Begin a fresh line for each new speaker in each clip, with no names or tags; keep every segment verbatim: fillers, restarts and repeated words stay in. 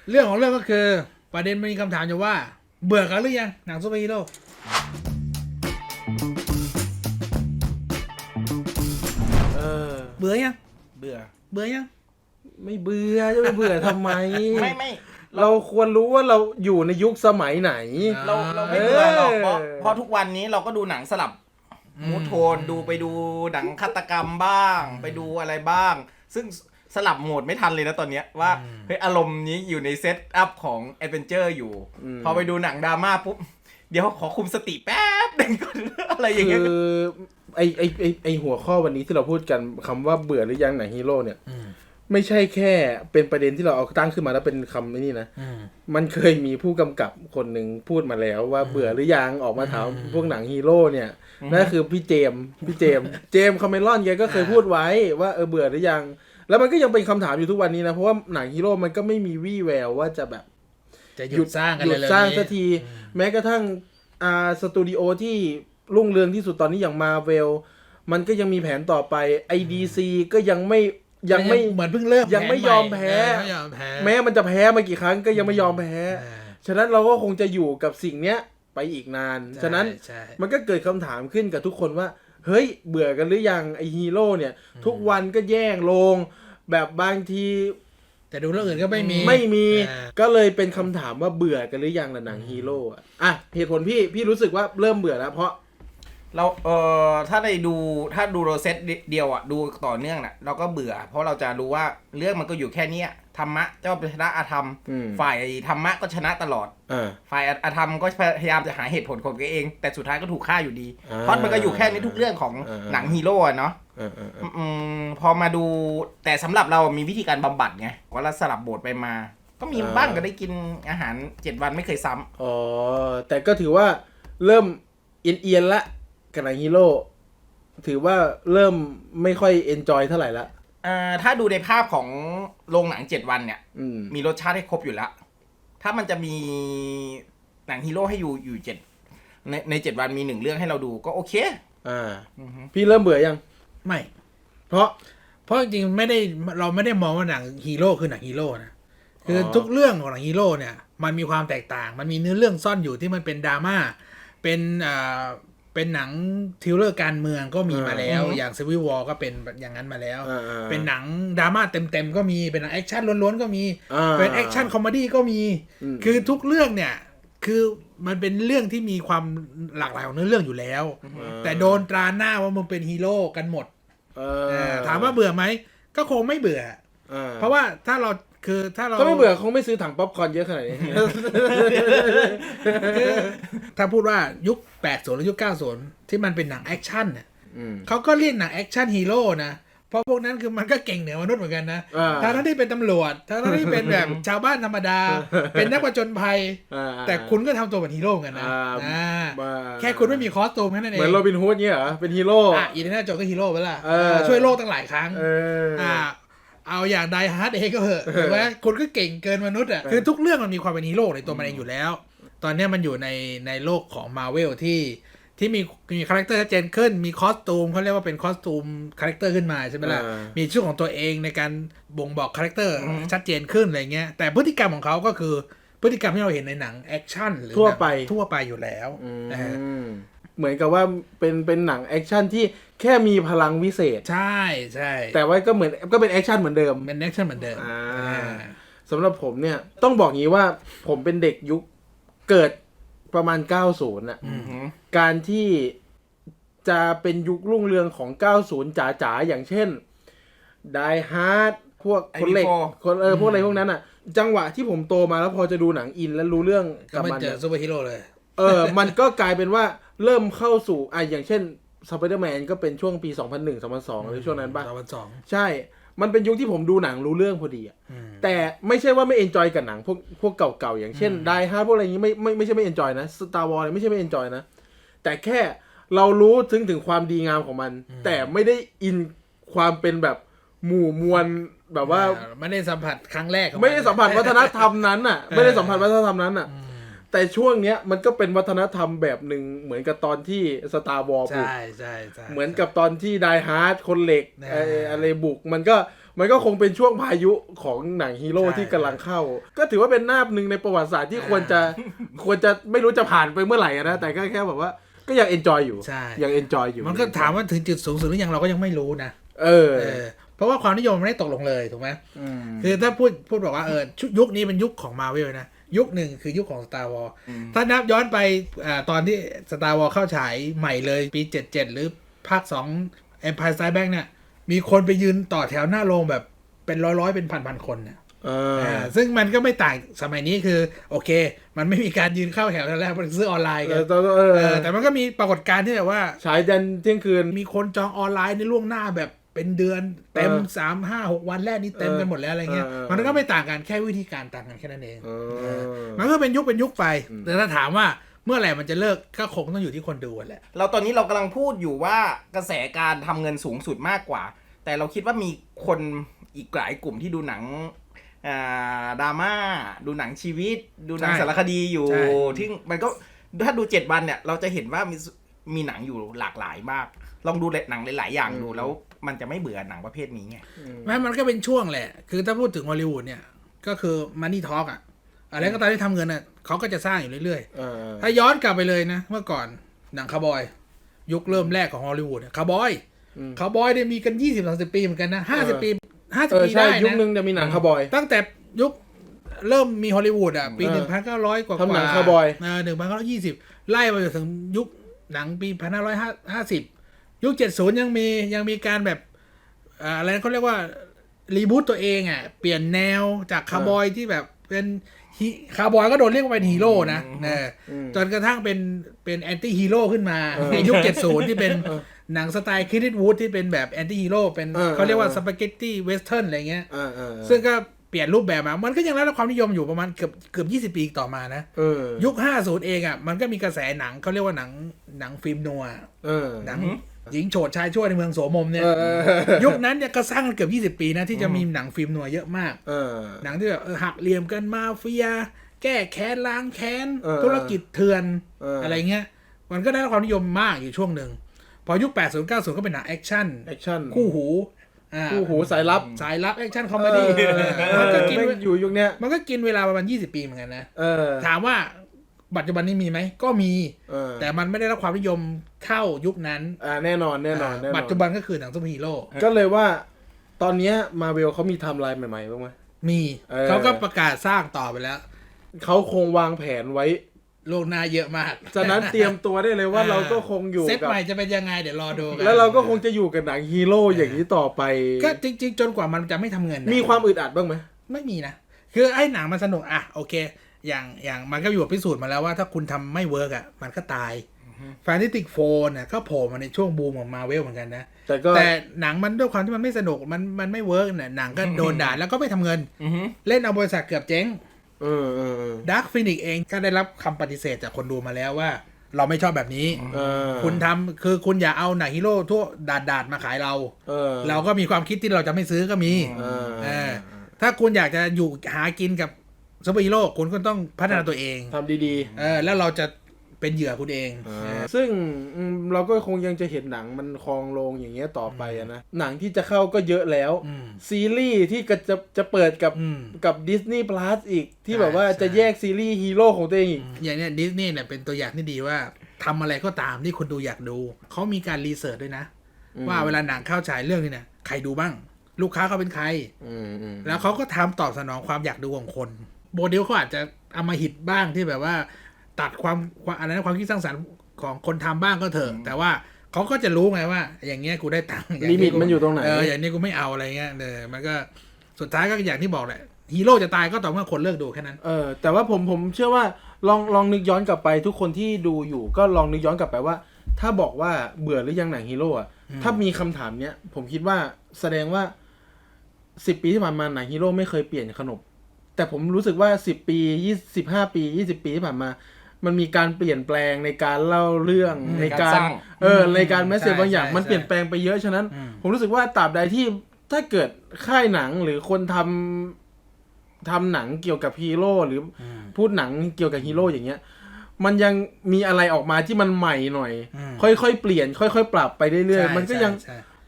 เรื่องของเรื่องก็คือประเด็นมีคำถามอยู่ว่าเบื่อกันหรือยังหนังซูเปอร์ฮีโร่
เออ
เบื่อยัง
เบื่อ
เบื่อยัง
ไม่เบื่อจะไม่เบื่อทำไม
ไม่ไม่
เราควรรู้ว่าเราอยู่ในยุคสมัยไหน
เราเราไม่เบื่อหรอกเพราะเพราะทุกวันนี้เราก็ดูหนังสลับมูทโทนดูไปดูหนังฆาตกรรมบ้างไปดูอะไรบ้าง ซึ่งสลับโหมดไม่ทันเลยนะตอนเนี้ยว่าเฮ้ยอารมณ์นี้อยู่ในเซตอัพของแอดเวนเจอร์อยู่พอไปดูหนังดราม่าปุ๊บเดี๋ยวขอคุมสติแป๊บนึงก่อนอะไรอย่างเงี้ย
คือไอไอไอไอหัวข้อวันนี้ที่เราพูดกันคำว่าเบื่อหรือยังหนังฮีโร่เนี่ยไม่ใช่แค่เป็นประเด็นที่เราเอาตั้งขึ้นมาแล้วเป็นคำนี้นะมันเคยมีผู้กำกับคนหนึ่งพูดมาแล้วว่าเบื่อหรือยังออกมาถามพวกหนังฮีโร่เนี่ยนั่นคือพี่เจมพี่เจมเจมคาเมรอนแกก็เคยพูดไว้ว่าเออเบื่อหรือยังแล้วมันก็ยังเป็นคำถามอยู่ทุกวันนี้นะเพราะว่าหนังฮีโร่มันก็ไม่มีวี่แววว่าจะแบบ
จะหยุดสร้างกันเลย
หยุดสร้างสักทีแม้กระทั่งอ่าสตูดิโอที่รุ่งเรืองที่สุดตอนนี้อย่างมาเวลมันก็ยังมีแผนต่อไป ไอ ดี ซี ก็ยังไม่ยังไม่
เหมือนเพิ่งเริ่ม
ยังไม่ยอมแพ้แม้มันจะแพ้มากี่ครั้งก็ยังไม่ยอมแพ้ฉะนั้นเราก็คงจะอยู่กับสิ่งเนี้ยไปอีกนานฉะนั้นมันก็เกิดคำถามขึ้นกับทุกคนว่าเฮ้ยเบื่อกันหรือยังไอฮีโร่เนี่ยทุกวันก็แย่งลงแบบบางที
แต่ดูเรื่องอื่นก็ไม่มี
ไม่มีก็เลยเป็นคำถามว่าเบื่อกันหรือยังล่ะหนังฮีโร่อ่ะอ่ะเหตุผลพี่พี่รู้สึกว่าเริ่มเบื่อแล้วเพราะ
เราเอ่อถ้าได้ดูถ้าดูโรเซตเดียวอ่ะดูต่อเนื่องน่ะเราก็เบื่อเพราะเราจะรู้ว่าเรื่องมันก็อยู่แค่นี้ธรรมะเจ้าชนะอธรรมฝ่ายธรรมะก็ชนะตลอดฝ่ายอธรรมก็พยายามจะหาเหตุผลของตัวเองแต่สุดท้ายก็ถูกฆ่าอยู่ดีเพราะมันก็อยู่แค่นี้ทุกเรื่องของหนังฮีโร่เนาะพอมาดูแต่สำหรับเรามีวิธีการบำบัดไงว่าเราสลับโบทไปมาก็มีบ้างก็ได้กินอาหารเจ็ดวันไม่เคยซ้ำ
อ๋อแต่ก็ถือว่าเริ่มเอียนๆละกับหนังฮีโร่ถือว่าเริ่มไม่ค่อยเอนจอยเท่าไหร่ละ
อ่าถ้าดูในภาพของโรงหนังเจ็ดวันเนี่ยมีรสชาติให้ครบอยู่แล้วถ้ามันจะมีหนังฮีโร่ให้อยู่อยู่เจ็ดในในเจ็ดวันมีหนึ่งเรื่องให้เราดูก็โอเค
อ่าพี่เริ่มเบื่อยัง
ไม่
เพราะ
เพราะจริงๆไม่ได้เราไม่ได้มองว่าหนังฮีโร่คือหนังฮีโร่นะคือทุกเรื่องของหนังฮีโร่เนี่ยมันมีความแตกต่างมันมีเนื้อเรื่องซ่อนอยู่ที่มันเป็นดราม่าเป็นอ่าเป็นหนังทริลเลอร์การเมืองก็มีมาแล้วอย่างซีวิลวอร์ก็เป็นอย่างนั้นมาแล้วเป็นหนังดราม่าเต็มๆก็มีเป็นหนังแอคชั่นล้วนๆก็มีเป็นแอคชั่นคอมเมดี้ก็มีคือทุกเรื่องเนี่ยคือมันเป็นเรื่องที่มีความหลากหลายของเนื้อเรื่องอยู่แล้วแต่โดนตราหน้าว่ามึงเป็นฮีโร่กันหมดถามว่าเบื่อไหมก็คงไม่เบื่อเพราะว่าถ้าเราคือถ้าเรา
ก็ไม่เบื่อคงไม่ซื้อถังป๊อปคอร์นเยอะขนาดนี้
ถ้าพูดว่ายุคแปดสิบหรือยุคเก้าสิบที่มันเป็นหนังแอคชั่นเนี่ยเขาก็เรียกหนังแอคชั่นฮีโร่นะเพราะพวกนั้นคือมันก็เก่งเหนือมนุษย์เหมือนกันนะทั้งที่เป็นตำรวจทั้งที่เป็นแบบชาวบ้านธรรมดาเป็นนักผจญภัยแต่คุณก็ทำตัวเป็นฮีโร่กันนะแค่คุณไม่มีคอสตูมแค่นั้นเอง
เหมือนโรบินฮูดเนี่ยเหรอเป็นฮีโร่
อ่ะอีเดน่าโจก็ฮีโร่ไปละช่วยโลกตั้งหลายครั้งอ่าเอาอย่างไดฮาร์ดเองก็เหอะถูกไหมคนก็เก่งเกินมนุษย์อ่ะคือทุกเรื่องมันมีความเป็นฮีโร่ในตัวมันเองอยู่แล้วตอนนี้มันอยู่ในในโลกของ Marvel ที่ที่มีมีคาแรคเตอร์ชัดเจนขึ้นมีคอสตูมเขาเรียกว่าเป็นคอสตูมคาแรคเตอร์ขึ้นมาใช่ไหมล่ะมีชื่อของตัวเองในการบ่งบอกคาแรคเตอร์ชัดเจนขึ้นอะไรเงี้ยแต่พฤติกรรมของเขาก็คือพฤติกรรมที่เราเห็นในหนังแอคชั่นหรือ
ทั่วไป
ทั่วไปอยู่แล้วนะฮะ
เหมือนกับว่าเป็นเป็นหนังแอคชั่นที่แค่มีพลังวิเศษ
ใช่ใช่
แต่ว่าก็เหมือนก็เป็นแอคชั่นเหมือนเดิม
เป็นแอคชั่นเหมือนเดิม
สำหรับผมเนี่ยต้องบอกงี้ว่าผมเป็นเด็กยุคเกิดประมาณเก้าสิบน่ะการที่จะเป็นยุครุ่งเรืองของเก้าสิบจ๋าๆอย่างเช่น Die Hard พวกคนเหล็กคนเออพวกอะไรพวกนั้นอ่ะจังหวะที่ผมโตมาแล้วพอจะดูหนังอินแล้วรู้เรื่อง
กับมันเจอซูเปอร์ฮีโร่เลย
เออมันก็กลายเป็นว่าเริ่มเข้าสู่อ่ะอย่างเช่น Spider-Man ก็เป็นช่วงปีสองพันหนึ่ง สองพันสองหรือช่วงนั้นป่ะ
สองพันสอง
ใช่มันเป็นยุคที่ผมดูหนังรู้เรื่องพอดีอ่ะแต่ไม่ใช่ว่าไม่เอนจอยกับหนังพวกพวกเก่าๆอย่างเช่น Die Hard พวกอะไรอย่างงี้ไม่ไม่ไม่ใช่ไม่เอนจอยนะ Star Wars ไม่ใช่ไม่เอนจอยนะแต่แค่เรารู้ถึงถึงความดีงามของมันแต่ไม่ได้อินความเป็นแบบหมู่มวลแบบว่า
ไม่ได้สัมผัสครั้งแรก
ไม่ได้สัมผัสวัฒนธรรมนั้นน่ะไม่ได้สัมผัสวัฒนธรรมนั้นน่ะแต่ช่วงเนี้ยมันก็เป็นวัฒนธรรมแบบหนึ่งเหมือนกับตอนที่ Star Wars บุก
ใช่ใช่ใช่
เหมือนกับตอนที่ Die Hard คนเหล็กอะไรบุกมันก็มันก็คงเป็นช่วงพายุของหนังฮีโร่
ใช่
ที่กำลังเข้า ก็ถือว่าเป็นหน้าหนึ่งในประวัติศาสตร์ที่ควรจะควรจะไม่รู้จะผ่านไปเมื่อไหร่นะแต่ก็แค่แบบว่าก็ยังเอนจอยอยู่
ใช่
ยังเอนจอยอยู่
มันก็ถามว่าถึงจุดสูงสุดหรือยังเราก็ยังไม่รู้นะ
เออ
เออเพราะว่าความนิยมมันไม่ได้ตกลงเลยถูกไหม
อืม
คือถ้าพูดพูดบอกว่าเออชุดยุคนี้เป็นยุคของมา Marvel นะยุคหนึ่งคือยุคของ Star Wars ถ้านับย้อนไปอ่าตอนที่ Star Wars เข้าฉายใหม่เลยปีเจ็ดสิบเจ็ดหรือภาคสอง Empire Strikes Back เนี่ยมีคนไปยืนต่อแถวหน้าโรงแบบเป็นร้อยๆเป็นพันๆคนเนี่ย
เออ
อ่าซึ่งมันก็ไม่ต่างสมัยนี้คือโอเค มันไม่มีการยืนเข้าแถวแล้วมันซื้อออนไลน์
เอ
กัน
อเออ
เออแต่มันก็มีปรากฏการณ์ที่แบบว่า
ฉายยันเที่ยงคืน
มีคนจองออนไลน์ในล่วงหน้าแบบเป็นเดือนเต็ม
เออ
สามห้าหกวันแรกนี่เต็มกันหมดแล้วอะไรเงี้ย
เออเออ
มันก็ไม่ต่างกันแค่วิธีการต่างกันแค่นั้นเอง
เออ
มันก็เป็นยุคเป็นยุคไปแต่ถ้าถามว่าเมื่อไหร่มันจะเลิกก็คงต้องอยู่ที่คนดูแหละ
เราตอนนี้เรากำลังพูดอยู่ว่ากระแสการทำเงินสูงสุดมากกว่า แต่เราคิดว่ามีคนอีกหลายกลุ่มที่ดูหนังอ่าดราม่าดูหนังชีวิต ดูหนัง
ใช่
สารคดีอยู่
ใช่
ที่มันก็ถ้าดูเจ็ดวันเนี่ยเราจะเห็นว่ามีมีหนังอยู่หลากหลายมาก ลองดูหนังหลายๆอย่างดูแล้วมันจะไม่เบื่อหนังประเภทนี้ไง
แม้มันก็เป็นช่วงแหละ คือถ้าพูดถึงฮอลลีวูดเนี่ยก็คือมันนี่ทอล์กอะอะไรก็ตามที่ทำเงินอะเขาก็จะสร้างอยู่เรื่อย
เออ
ๆถ้าย้อนกลับไปเลยนะ เมื่อก่อนหนังคาวบอยยุคเริ่มแรกของฮอลลีวูดคาวบอยคาวบอยเนี่ยมีกันยี่สิบสามสิบปีเหมือนกันนะห้าสิบปีห้าสิบ
เออ
ปี
ใช่
ได้
ยุค
นะ
นึงจะมีหนังคาวบอย
ตั้งแต่ยุคเริ่มมีฮอลลีวูดอ่ะ ปี
เออ
หนึ่งพันเก้าร้อยกว่า
ทำหนังคาวบอย
เออหนึ่งพันเก้าร้อยยี่สิบไล่ไปจนถึงยุคหนังปีพันห้าร้อยห้าสิบยุคเจ็ดศูนย์ยังมียังมีการแบบอ่าอะไรนะเขาเรียกว่ารีบูตตัวเองอ่ะเปลี่ยนแนวจากคาวบอยที่แบบเป็นฮีคาวบอยก็โดนเรียกว่าเป็นฮีโร่นะเออจนกระทั่งเป็นเป็นแอนตี้ฮีโร่ขึ้นมาในยุคเจ็ดศูนย์ที่เป็นหนังสไตล์คริสติวูดที่เป็นแบบแอนตี้ฮีโร่เป็น
เออ
เขาเรียกว่าสปาเกตตี้เวสเทิร์นอะไรเงี้ย
เออเออ
ซึ่งก็เปลี่ยนรูปแบบมา มันก็ยังได้รับความนิยมอยู่ประมาณเกือบเกือบยี่สิบปีต่อมานะ
เออ
ยุคห้าสิบเองอ่ะ มันก็มีกระแสหนังเขาเรียกว่าหนังหนังฟิล์มนัว
เออ
หนังหญิงโฉดชายชั่วในเมืองโสมมเนี่ย
เออเออ
ยุคนั้นเนี่ยก็สร้างกันเกือบยี่สิบปีนะที่จะมีหนังฟิล์มนัวเยอะมาก
เออ
หนังที่แบบเออหักเหลี่ยมกันมาเฟีย แก้แค้นล้างแค้น
เออ
ธุรกิจเถื่อน
เอออ
อะไรเงี้ย มันก็ได้รับความนิยมมากอยู่ช่วงหนึ่ง พอยุคแปดสิบ เก้าสิบก็เป็นหนังแอคชั่น
แอคชั่น
คู่หูอ่า
คู่หูสายลับ
สายลับแอคชั่นคอมเมดี้
เออ
มันก็กิน
แม่งอยู่ยุคเนี้ย
มันก็กินเวลาประมาณยี่สิบปีเหมือนกันนะ
เออ
ถามว่าปัจจุบันนี้มีไหม ก็มี
เออ
แต่มันไม่ได้รับความนิยมเท่ายุคนั้น
อ่าแน่นอนแน่นอนแน่นอน
ปัจจุบันก็คือหนังซูเปอร์ฮีโร่
ก็เลยว่า ตอนเนี้ยมาเวลเขามีไทม์ไลน์ใหม่ๆบ้างไหม
มี
เออ
เขาก็ประกาศสร้างต่อไปแล้ว
เขาคงวางแผนไว้
โลกหน้าเยอะมาก
ฉะนั้นเตรียมตัวได้เลยว่าเราก็คงอยู่
เซต
กับ
ใหม่จะเป็นยังไงเดี๋ยวรอดูกัน
แล้วเราก็คงจะอยู่กับหนังฮีโร่อย่างนี้ต่อไป
ก็จริง ๆ จนกว่ามันจะไม่ทำเงินนะ
มีความอึดอัดบ้างไหม
ไม่มีนะ คือไอ้หนังมันสนุกอ่ะโอเค อย่างอย่างมันก็อยู่พิสูจน์มาแล้วว่าถ้าคุณทำไม่เวิร์กอ่ะมันก็ตายแฟนติติกโฟนน่ะก็โผล่มาในช่วงบูมของมาเวลเหมือนกันนะ
แต่ก็
แต่หนังมันด้วยความที่มันไม่สนุกมันมันไม่เวิร์กเนี่ยหนังก็โดนด่าแล้วก็ไม่ทำเงิน เล่นเอาบริษัทเกือบเจ๊ง
เออเออเออ
ดาร์คฟินิกเองก็ได้รับคำปฏิเสธจากคนดูมาแล้วว่า เราไม่ชอบแบบนี้
เออ
คุณทำคือคุณอย่าเอาหนังฮีโร่ทั่วดาดดาดๆมาขายเรา
เออ
เราก็มีความคิดที่เราจะไม่ซื้อก็มี
เออ
เออถ้าคุณอยากจะอยู่หากินกับซูเปอร์ฮีโร่คุณก็ต้องพัฒนาตัวเอง
ทำดี
เออแล้วเราจะเป็นเหยื่อคุณเอง
ๆ
เออ
ซึ่งอืมเราก็คงยังจะเห็นหนังมันคลองโรงอย่างเงี้ยต่อไปอะนะ หนังที่จะเข้าก็เยอะแล้ว
อืม
ซีรีส์ที่ก็จะจะเปิดกับ
อืม
กับ Disney Plus อีก ที่
ใช่
แบบว่า
ใช่
จะแยกซีรีส์ฮีโร่ของตัวเองอีก
อย่างเนี้ยดิสนีย์เนี่ยเป็นตัวอย่างที่ดีว่าทำอะไรก็ตามที่คนดูอยากดู เขามีการรีเสิร์ชด้วยนะ
อืม
ว่าเวลาหนังเข้าฉายเรื่องนี้เนี่ยใครดูบ้าง ลูกค้าเขาเป็นใคร
อืมอืม
แล้วเขาก็ทำตอบสนองความอยากดูของคนโมเดลเขาอาจจะเอามาหิตบ้างที่แบบว่า ตัดความความอะไรนะความคิดสร้างสรรค์ของคนทำบ้างก็เถอะ แต่ว่าเขาก็จะรู้ไงว่า อย่างเงี้ยกูได้ตังค์อย่าง
ลิมิตมันอยู่ตรงไหน
เอออย่างนี้กูไม่เอาอะไรเงี้ยเออมันก็สุดท้ายก็อย่างที่บอกแหละฮีโร่จะตายก็ต่อเมื่อคนเลิกดูแค่นั้น
เออแต่ว่าผมผมเชื่อว่าลองลองนึกย้อนกลับไปทุกคนที่ดูอยู่ก็ลองนึกย้อนกลับไปว่า ถ้าบอกว่าเบื่อหรือยังหนังฮีโร่อะถ้ามีคำถามเนี้ยผมคิดว่าแสดงว่าสิบปีที่ผ่านมาหนังฮีโร่ไม่เคยเปลี่ยนขนบแต่ผมรู้สึกว่าสิบปียี่สิบห้าปียี่สิบปีที่ผ่านมา มันมีการเปลี่ยนแปลงในการเล่าเรื่อง
อืม
ในการ
การสร้าง
เออในการแมสเซจ
ใช่
บางอย่าง
ใช่
มันเปลี่ยนแปลงไปเยอะฉะนั้น
อืม
ผมรู้สึกว่าตราบใดที่ถ้าเกิดค่ายหนังหรือคนทำทำหนังเกี่ยวกับฮีโร่หรือ
อืม
พูดหนังเกี่ยวกับฮีโร่อย่างเงี้ย มันยังมีอะไรออกมาที่มันใหม่หน่อย
อืม
ค่อยๆเปลี่ยน ค่อยๆปรับไปเรื่อย
ใช่
ๆมันก็ยัง
ใช่ใช่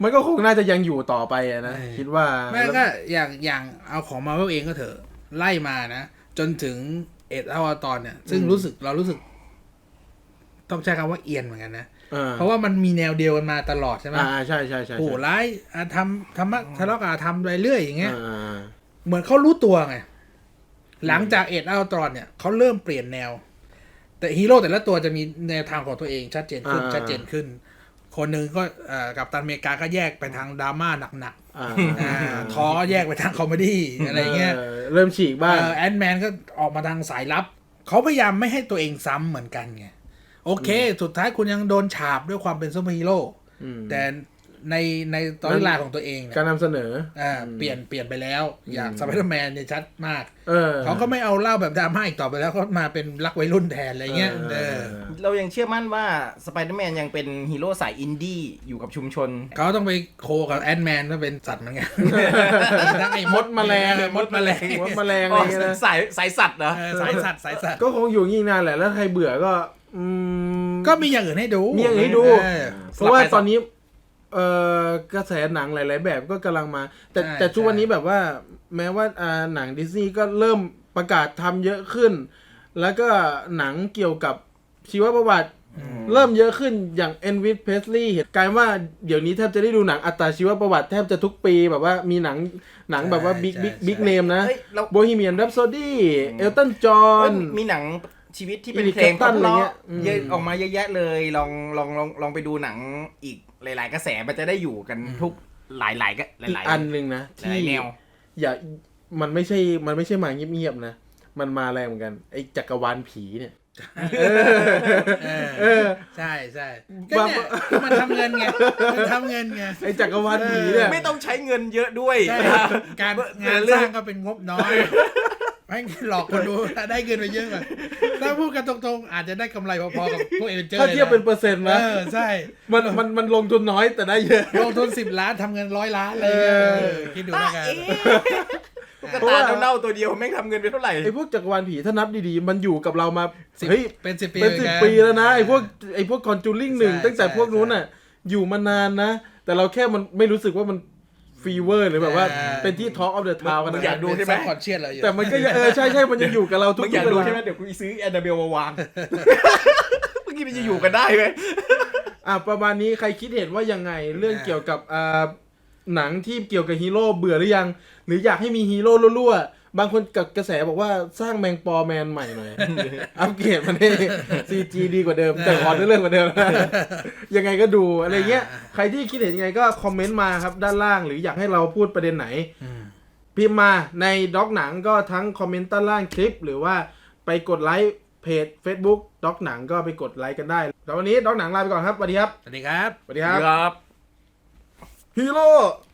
มันก็คงน่าจะยังอยู่ต่อไปอะนะ
เออ
คิดว่า
แม่ก็อย่างอย่างเอาของมาเวลเองก็เถอะไล่มานะ จนถึงเอ็ดอวตารเนี่ย ซึ่งรู้สึกเรารู้สึก ต้องใช้คำว่าเอียนเหมือนกันนะ
อ่า
เพราะว่ามันมีแนวเดียวกันมาตลอดใช่ไหม
อ่าใช่ใช่ใช่
ผู้ร้ายอาทำทำมะทะเลาะกับอาทำไปเรื่อยอย่างเงี้ย
อ่า
เหมือนเขารู้ตัวไง หลังจากเอ็ดอัลตรอนเนี่ยเขาเริ่มเปลี่ยนแนว แต่ฮีโร่แต่ละตัวจะมีแนวทางของตัวเองชัดเจนขึ้น
อ่า
ชัดเจนขึ้น คนหนึ่งก็เอ่อกับตันอเมริกาก็แยกไปทางดราม่าหนัก
อ่า
ๆอ่าทอก็แยกไปทางคอมเมดี้อะไรเงี้ย
เริ่มฉีกบ้าง
แอนแมนก็ออกมาทางสายลับ เขาพยายามไม่ให้ตัวเองซ้ำเหมือนกันไง โอเค สุดท้ายคุณยังโดนฉาบด้วยความเป็นซูเปอร์ฮีโร่
อืม
แต่ในในตอนเวลาของตัวเองเนี่ย
การนำเสนอ
อ่าเปลี่ยนเปลี่ยนไปแล้ว อย่างสไปเดอร์แมนเนี่ยชัดมาก
เออ
เขาก็ไม่เอาเล่าแบบดราม่าอีกต่อไปแล้วเขามาเป็นรักวัยรุ่นแทนอะไรเงี้ย
เอ
เอ
อ
อ
เรายังเชื่อมั่นว่าสไปเดอร์แมนยังเป็นฮีโร่สายอินดี้อยู่กับชุมชน
เขาต้องไปโคกับแอนแมนก็เป็นสัตว์เหมือนกันทั้งไอ้
มดแมลง
มดแมลง
มดแมลงอะ
อ๋
ไร
อ
เงี้ยนะ
สายสายสัตว์เหรอ
เออสายสัตว์สายสัตว์
ก็คงอยู่งี้นานแหละแล้วใครเบื่อก็อืม
ก็มีอย่างอื่นให้ดู
มีอย่างอื่นให้ดู
เออ
เพราะว่าตอนนี้เอ่อกระแสหนังหลาย ๆ แบบก็กำลังมา แต่
ใช่
แต่ทุกวัน
ใช่
นี้แบบว่า แม้ว่าอ่าหนังดิสนีย์ก็เริ่มประกาศทำเยอะขึ้น แล้วก็หนังเกี่ยวกับชีวประวัติ เริ่มเยอะขึ้นอย่างเอ็นวิสเพสลีย์กลายว่าเดี๋ยวนี้แทบจะได้ดูหนังอัตราชีวประวัติแทบจะทุกปีแบบว่ามีหนังหนังแบบว่าบิ๊กบิ๊กบิ๊กเนมนะ
เฮ้ยเรา
โบฮีเมียน r ร p โซดี้เอลตันจอ
เอ้
ห์
ย
น
มีหนังชีวิตที่เป็น
Eric
เพลง
Clapton อะไร
เพ
เงี้
ราะ
ยอืม
ๆเยอะออกมาเยอะแยะเลยลองลองลองลองไปดูหนังอีกหลาย ๆ กระแสมันจะได้อยู่กันทุกหลายๆก็ห
อีก
ลาย
อันหนึ่งนะ
ๆห
ที่
ลายๆแนว
อย่ามันไม่ใช่มันไม่ใช่มาเงียบๆนะ มันมาแรงเหมือนกันไอ้จักรวาลผีเนี่ย
เออ
เออ
ใช่ใช่ก็เนี่ยก็มันทำเงินไงมันทำเงินไง
ไอ้จักรวาลผีเนี่ย
ไม่ต้องใช้เงินเยอะด้วย
ใช่การงานสร้างก็เป็นงบน้อยแม่งหลอกคนดูได้เงินไปเยอะกว่าถ้าพูดกันตรงๆอาจจะได้กำไรพอๆกับพวกเอเวนเจอร์
ถ้าเทียบเป็นเปอร์เซ็นต์
เอ
นะ
อใช่
มันมันมันลงทุนน้อยแต่ได้เยอะ
ลงทุนสิบล้านทำเงินร้อยล้านเลย
เออ
เออคิดดูแล้วกัน
ตุ๊กตาเน่าๆตัวเดียวแม่งทำเงินไปเท่าไหร่
ไอ้พวกจักรวาลผีถ้านับดีๆ มันอยู่กับเรามา
สิบ
เฮ้ย
เป็นสิบปี
เป็นสิบ
หมือกั
ปีแล้วนะไอ้พวกไอ้พวกคอนจูริงหนึ่ง
ใช่
ตั้งแต่พวกนู้น
ใช่
น่ะ อยู่มานานนะ แต่เราแค่มันไม่รู้สึกว่ามันฟีเวอร์หรือแบบว่า
เออ
เป็นที่ Talk of the Town กัน
มึ
นะ
งอยากดูใช่ไหม
คอนเชียสเราอยู่
แต่มันก็ยังเออใช่ใช่มันยังอยู่กับเราทุก
มึงอยาก
เว
ดู
ลา
ใช่ไหมเดี๋ยวกูซื้อแอนนาเบลมาวางเมื่อกี้มันจะอยู่กันได้ไหม
อ่ะประมาณนี้ใครคิดเห็นว่ายังไงเรื่องเกี่ยวกับอ่าหนังที่เกี่ยวกับฮีโร่เบื่อหรือยัง หรืออยากให้มีฮีโร่รั่วๆบางคนกับกระแสบอกว่าสร้างแมงปอแมนใหม่หน่อย อัปเกรดมันให้ ซี จี ดีกว่าเดิม แต่ขอเรื่องกว่าเดิม ยังไงก็ดูอะไรเงี้ยใครที่คิดเห็นยังไงก็คอมเมนต์มาครับด้านล่างหรืออยากให้เราพูดประเด็นไหน
อืม
พิมพ์มาในด็อกหนังก็ทั้งคอมเมนต์ใต้ล่างคลิป หรือว่าไปกดไลค์เพจ Facebook ด็อกหนังก็ไปกดไลค์กันได้แล้ววันนี้ด็อกหนังลาไปก่อนครับสวัสดีครับ
สวัสดีครับ
สวัสดีครับ
ครับ
ฮีโร่